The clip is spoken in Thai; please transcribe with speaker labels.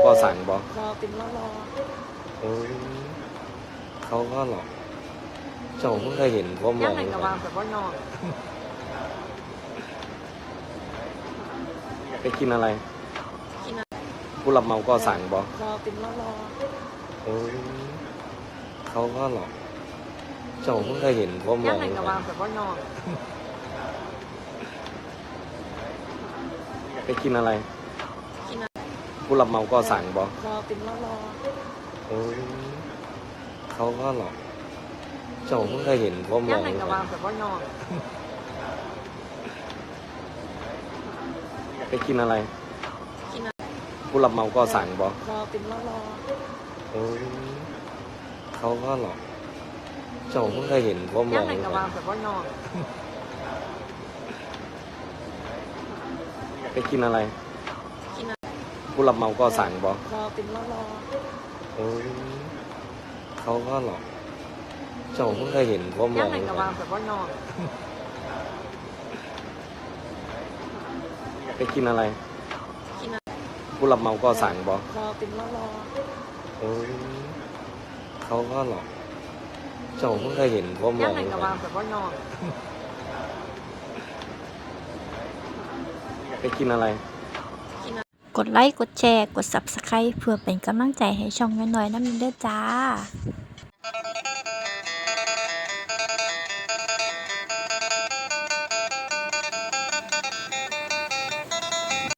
Speaker 1: ก็สั่งบ่
Speaker 2: รอเป็นรอ
Speaker 1: โอ้ยเขาก็หรอกเจ้าเพิ่งเคยเห็นผมหร
Speaker 2: ย่า
Speaker 1: อง
Speaker 2: ไหนกับวางแบบว่านอน
Speaker 1: ไปกินอะไร
Speaker 2: กินอะไร
Speaker 1: ผู้รับเหมาก็สั่งบ่
Speaker 2: รอเป็นรอ
Speaker 1: โอ้ยเขาก็หรอกเจ้าเพิ่งเคยเห็นผมหร
Speaker 2: ย่า
Speaker 1: อง
Speaker 2: ไหนกับวางแบบว่านอน
Speaker 1: ไปกินอะไร
Speaker 2: กินอะไร
Speaker 1: ผู้รับเหมาก็สั่งบ่
Speaker 2: รอเป็นรอ
Speaker 1: โอ้ยเขาก็หรอกเจ้าเพิ่งเคยเห็นผมหร
Speaker 2: ย่า
Speaker 1: อง
Speaker 2: ไหนกับวางแบบว่านอน
Speaker 1: ไปกินอะไร
Speaker 2: กินอะไร
Speaker 1: ผู้รับเหมาก็สั่งบ่
Speaker 2: รอเป็นรอ
Speaker 1: โอ้ยเขาก็หรอกเจ้าเพิ่งเคยเห็นผมหร
Speaker 2: ย่า
Speaker 1: อง
Speaker 2: ไหนกับวางแบบว่านอน
Speaker 1: ไปกินอะไร
Speaker 2: กินอะไร
Speaker 1: ผู้รับเหมาก็สั่งบ่
Speaker 2: รอเป็นรอ
Speaker 1: โอ้ยเขาก็หรอกเจ้าเพิ่งเคยเห็นผมหร
Speaker 2: ย่า
Speaker 1: อง
Speaker 2: ไหนกับวางแบบว่านอน
Speaker 1: ไปกินอะไร
Speaker 2: กินอะไร
Speaker 1: ผู้รับเหมาก็สั่งบ่
Speaker 2: รอเป็นรอ
Speaker 1: โอ้ยเขาก็หรอกเจ้าเพิ่งเคยเห็นผมหร
Speaker 2: ย่า
Speaker 1: อง
Speaker 2: ไหนกับวางแบบว่านอน
Speaker 1: ไปกินอะไร
Speaker 2: กินอะไร
Speaker 3: กดไลค์ กดแชร์ กด Subscribe เพื่อเป็นกำลังใจให้ช่องน้อยๆน้ำเด้อจ้า